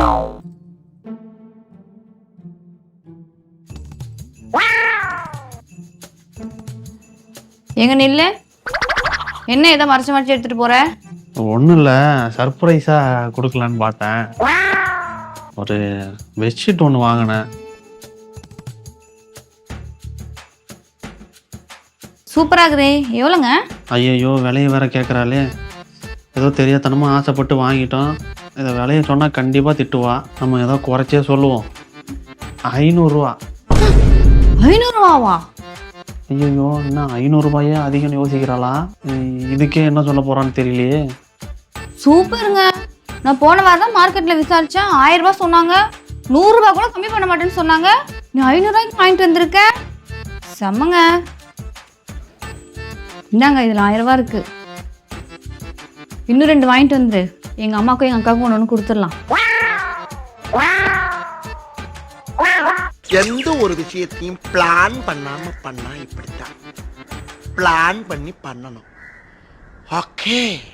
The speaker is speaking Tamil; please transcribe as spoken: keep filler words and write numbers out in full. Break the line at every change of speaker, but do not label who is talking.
எங்க நில்லு. என்ன ஏதோ மறைச்சு மறைச்சு எடுத்துட்டு போற?
ஒன்றும் இல்லை, சர்ப்ரைஸாக கொடுக்கலான்னு பார்த்தேன். ஒரு பெட்ஷீட் ஒன்று வாங்கினேன்.
சூப்பரா இருக்குதே. எவ்வளோங்க?
ஐயையோ, விலையை வேற கேட்குறாளே. ஏதோ தெரியாதனமாக ஆசைப்பட்டு வாங்கிட்டோம். இதை விலையை சொன்னால் கண்டிப்பாக திட்டுவா. நம்ம ஏதோ குறைச்சே சொல்லுவோம். ஐநூறுரூவா.
ஐநூறுரூவாவா?
ஐயோ, என்ன ஐநூறுரூபாயே அதிகம்னு யோசிக்கிறாளா? இதுக்கே என்ன சொல்ல போகிறான்னு தெரியலையே.
சூப்பருங்க. நான் போன வாரம் தான் மார்க்கெட்டில் விசாரித்தேன். ஆயிரம் ரூபாய் சொன்னாங்க. நூறுரூபா கூட கம்மி பண்ண மாட்டேன்னு சொன்னாங்க. நீ ஐநூறுரூவாய்க்கு வாங்கிட்டு வந்திருக்க. செம்மங்க. இந்தாங்க, இதில் ஆயிரம் ரூபா இருக்கு. இன்னும் ரெண்டு வாங்கிட்டு வந்துரு. எங்கள் அம்மாவுக்கும் எங்கள் அக்காவுக்கும் ஒன்று ஒன்று கொடுத்துடலாம்.
எந்த ஒரு விஷயத்தையும் பிளான் பண்ணாம பண்ணா இப்படித்தான். பிளான் பண்ணி பண்ணணும். ஓகே.